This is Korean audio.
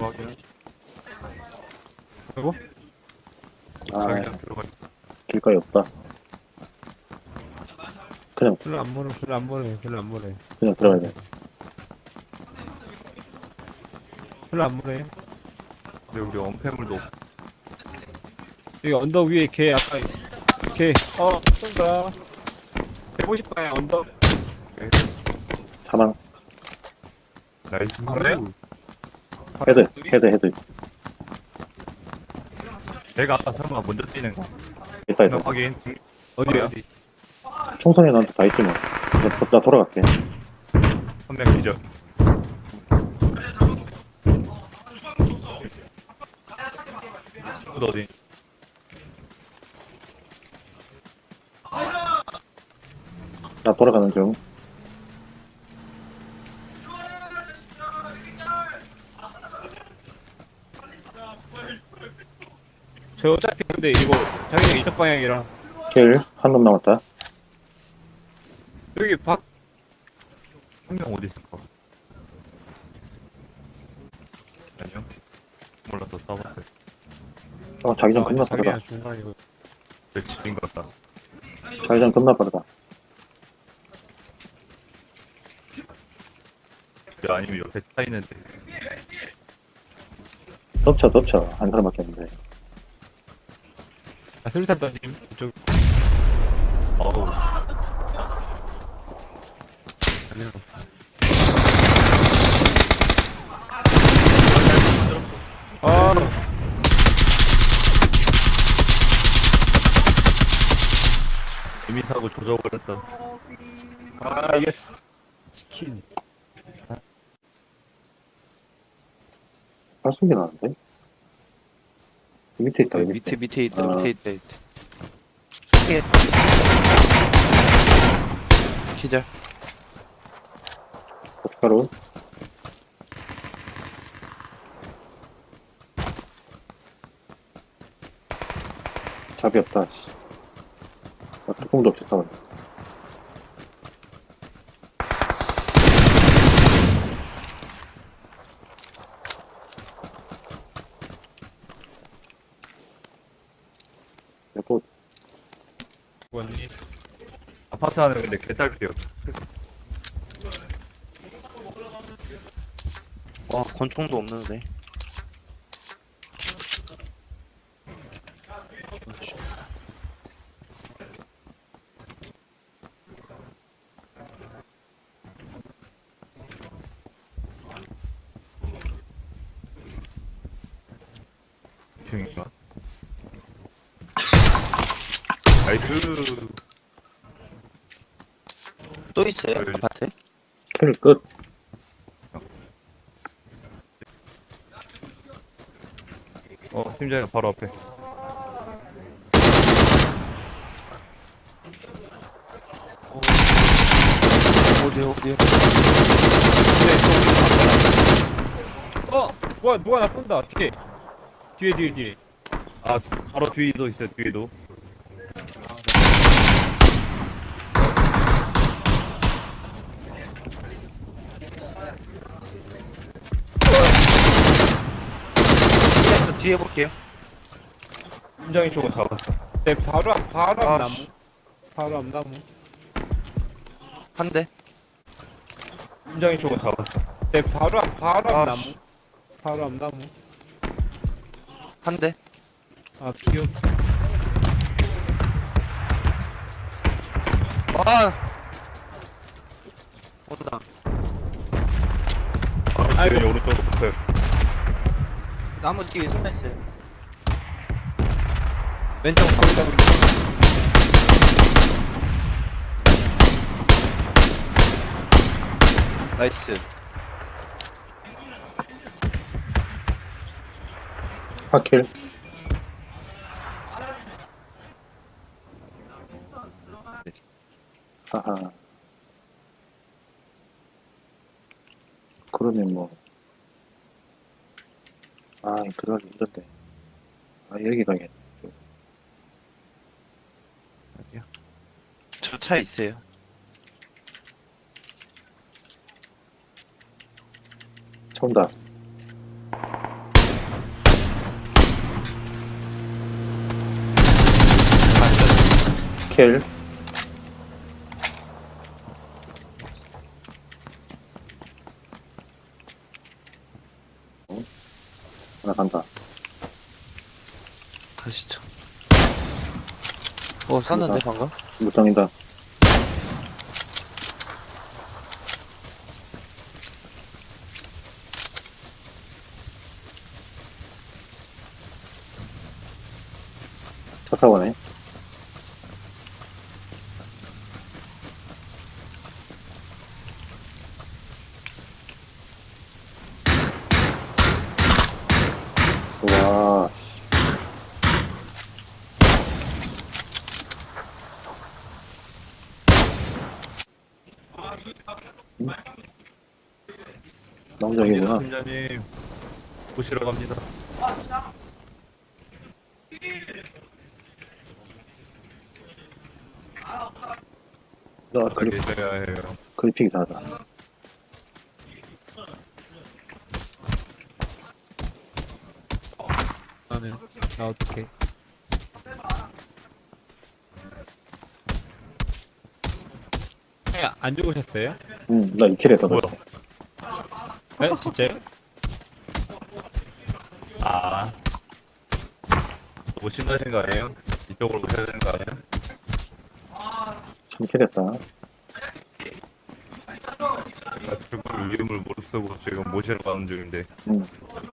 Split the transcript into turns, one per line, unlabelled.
확인.
그리고
아,
자기장 들어가 있어.
길거리 없다. 그냥,
별로 안 멀어, 별로 안 멀어, 별로 안 멀어.
그냥 들어가야 돼.
별로 안 멀어.
근데 우리 엄폐물도 없-
여기 언덕 위에 개 아까 개 쏜다. 150방향 언덕.
사망.
나이스.
그래?
헤드.
내가 아까 설마 먼저 뛰는 거.
있다.
확인.
어디야?
총선이 나한테 다 있지 뭐. 나 돌아갈게.
한 명 기절. 또 어디?
나 돌아가는 중.
저 어차피 근데 이거 자기장 이쪽 방향이라
킬, 한 놈 남았다.
여기 밖
한 명 어디 있을까? 안녕. 몰라서 싸봤어요.
자기장 겁나 빠르다.
자기장 중간이고.
내 집인 것 같다.
자기장 겁나 빠르다.
야, 아니면 옆에 차 있는데.
덮쳐. 한 사람밖에 없는데.
아, 수류탄 던짐 이쪽.
어우.
아니야. 아,
이미 사고 조져버렸다.
아 이게 스킨.
발소리 나는데? 밑에 있다,
여기
밑에.
밑에 있다.
아.
밑에 있다. 예. 기절.
고춧가루. 잡이 없다, 씨. 뚜껑도 없이 싸워. 또
뭐니?
아파트 안에 근데 개딸피요.
와 권총도 없는데.
중인가? 나이스.
또 있어요?
여기.
아파트?
킬 끝.
팀장이 바로 앞에.
어디요?
뭐야 누가 나 쏜다. 어떻게? 뒤에.
아, 바로 뒤에도 있어요, 뒤에도.
저 뒤에 볼게요.
팀장이 쪽은 잡았어.
네 바로 앞
아,
나무.
씨.
바로 앞 나무.
한 대.
팀장이 쪽은 잡았어.
네 바로 앞
아,
나무.
씨.
바로 앞 나무.
한 대.
아 귀여워.
아. 온다.
바로
아이고.
뒤에 오른쪽으로 붙어요.
나무 뒤에 숨어 있어요. 왼쪽 방. 나이스.
하킬. 하하. 그러면 뭐. 들어가기 힘든데. 여기 가겠네.
어디요? 저 차 있어요.
차 온다. 킬. 하나 간다.
가시죠. 쐈는데 방금?
무당이다. 차 타고 가네. 와, 남자이구나.
팀장님 보시러 갑니다.
나
아까 계셔야 해요.
그래픽이 다르다.
나는 나 어떡해. 안 죽으셨어요?
응, 나 2킬 했다.
뭐야?
네? 진짜요?
아, 너무 신나신 거 아니에요? 이쪽으로 오셔야 되는 거 아니에요?
3킬 했다.
나 죽을 위험을 무릅쓰고 지금 모시러 가는 중인데.
응.